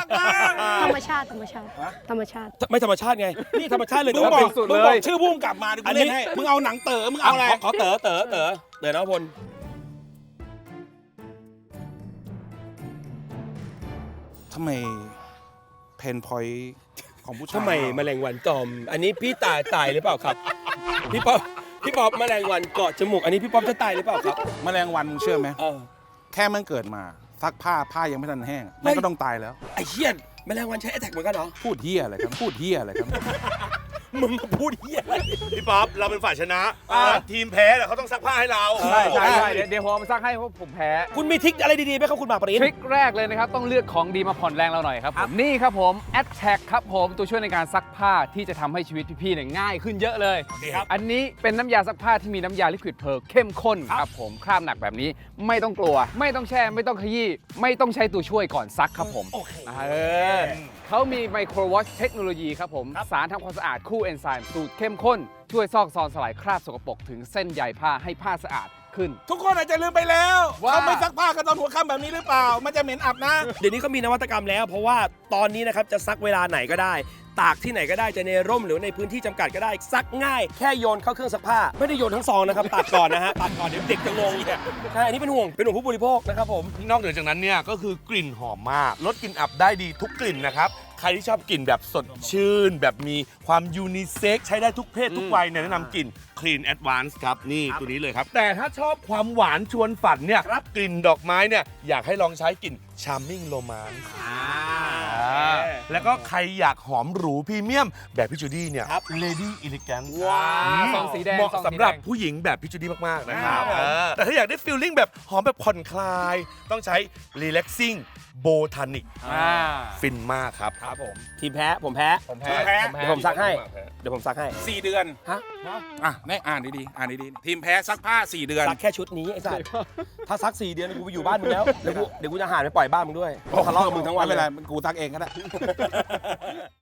นะธรรมชาติธรรมชาติธรรมชาติไม่ธรรมชาติไงนี่ธรรมชาติเลยมึงแต่บว่าอกเป็นสุดมึงเลบอกยชื่อพุ่งกลับมาดิกูเล่นให้มึงเอาหนังเต๋อมึงเอาอะไรขอเต๋อนพลทำไมเพนพอยของผู้ชายทำไมแมลงวันตอม อันนี้พี่ตายหรือเปล่าครับ พี่ป๊อปแมลงวันเกาะจมูกอันนี้พี่ป๊อปจะตายหรือเปล่าครับแมลงวันมึงเชื่อไหมเออแค่มันเกิดมาซักผ้ายังไม่ทันแห้งมันก็ต้องตายแล้วไอ้เหี้ยแมลงวันใช้แอทแทกเหมือนกันเหรอพูดเฮียอะไรครับพูดเฮียอะไรครับมึงมาพูดเหี้ยอะไรพี่ป๊อปเราเป็นฝ่ายชนะทีมแพ้แต่เขาต้องซักผ้าให้เราใช่เดี๋ยวผมเอามาซักให้เพราะผมแพ้คุณมีทริคอะไรดีๆไหมครับคุณหมากปรินทริคแรกเลยนะครับ ต้องเลือกของดีมาผ่อนแรงเราหน่อยครับผมนี่ครับผม Attack ครับผมตัวช่วยในการซักผ้าที่จะทำให้ชีวิตพี่ๆเนี่ยง่ายขึ้นเยอะเลย อันนี้เป็นน้ำยาซักผ้าที่มีน้ำยาลิควิดเพร์ลเข้มข้นครับผมคราบหนักแบบนี้ไม่ต้องกลัว ไม่ต้องแช่ไม่ต้องขยี้ไม่ต้องใช้ตัวช่วยก่อนซักครับผมเขามีไมโครวอชเทคโนโลยีครับผมสารทำความสะอาดคู่เอนไซม์สูตรเข้มข้นช่วยซอกซอนสลายคราบสกปรกถึงเส้นใยผ้าให้ผ้าสะอาดขึ้นทุกคนอาจจะลืมไปแล้วว่าเขาไม่ซักผ้ากันตอนหัวค่ำแบบนี้หรือเปล่า มันจะเหม็นอับนะเดี๋ยวนี้ก็มีนวัตกรรมแล้ว เพราะว่าตอนนี้นะครับจะซักเวลาไหนก็ได้ ตากที่ไหนก็ได้จะในร่มหรือในพื้นที่จำกัดก็ได้ซักง่ายแค่โยนเข้าเครื่องซักผ้าไม่ได้โยนทั้งซองนะครับตัดก่อนนะฮะตัดก่อนเดี๋ยวเด็กจะงงใช่อันนี้เป็นห่วงผู้บริโภคนะครับผมนอกเหนือจากนั้นเนี่ยก็คือกลิ่นหอมมากลดกลิ่นอับได้ดีทุกกลิ่นนะครับใครที่ชอบกลิ่นแบบสดชื่น แบบมีความยูนิเซ็กใช้ได้ทุกเพศทุกวัยเนี่ยแนะนำกลิ่น Clean Advance ครับนี่ตัวนี้เลยครับ แต่ถ้าชอบความหวานชวนฝันเนี่ยกลิ่นดอกไม้เนี่ยอยากให้ลองใช้กลิ่น Charming Romance แล้วก็ใครอยากหอมหรูพรีเมียมแบบพี่จูดี้เนี่ย Lady Elegant ซองสีแดงเหมาะซองสีแดงสำหรับผู้หญิงแบบพี่จูดี้มาก ๆ นะครับแต่ถ้าอยากได้ฟีลลิ่งแบบหอมแบบผ่อนคลาย ต้องใช้ Relaxing Botanic ฟินมากครับครับผมทีมแพ้ผมแพ้ผมแพ้เดี๋ยวผมซักให้เดี๋ยวผมซักให้ 4 เดือนฮะอ่ะนี่อ่านดีๆอ่านดีๆทีมแพ้ซักผ้า 4 เดือนซักแค่ชุดนี้ไอ้สัสถ้าซัก4 เดือนกูไปอยู่บ้านมึงแล้วเดี๋ยวกูจะหาไปปล่อยบ้านมึงด้วยทะเลาะกับมึงทั้งวันไม่เลเป็นยไรกูซักเองก็ได้